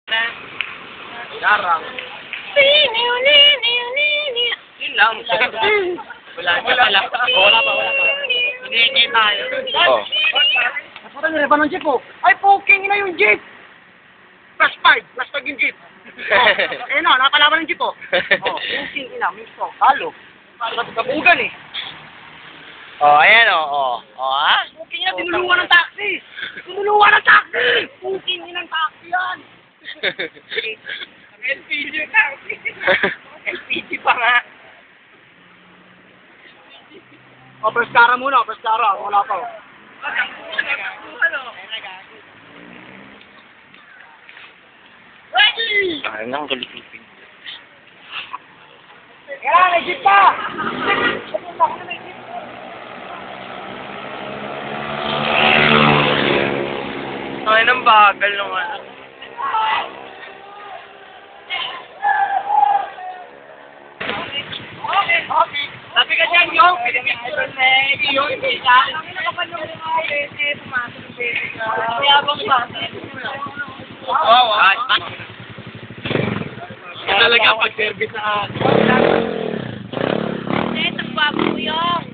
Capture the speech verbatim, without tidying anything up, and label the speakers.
Speaker 1: Garang. Yun lang. Wala, wala, wala. Wala pa, wala pa. Hindi tayo.
Speaker 2: Oh.
Speaker 1: Nasura niya ba ng jeep oh? Ay, poking na yung jeep! Plus five, plus five yung jeep. Oh, eh no, nakalaban ng jeep oh. Oh, poking ina, misto. Halo. Kabugan eh.
Speaker 2: Oh, ayan oh, oh. Oh, ha?
Speaker 1: Poking ina, tinulungan ng taxi! Tinulungan ng taxi! Poking ina ng taxi yan! L P G yung taxi. L P G pa nga. O, oh, press cara muna, press cara. Wala pa. Ready!
Speaker 2: Ay, nang galipipin.
Speaker 1: Kaya, may jeep pa! Ay, nang bagal nung ano. Okay, okay. Sabi ka dyan, yung pinipicture na yung isa. Ang nakapal yung mga bete, pumasok yung bete ka. Kaya bang pasok? Oo, oo. Talaga pag-service na.
Speaker 3: Hindi, nagbago yung.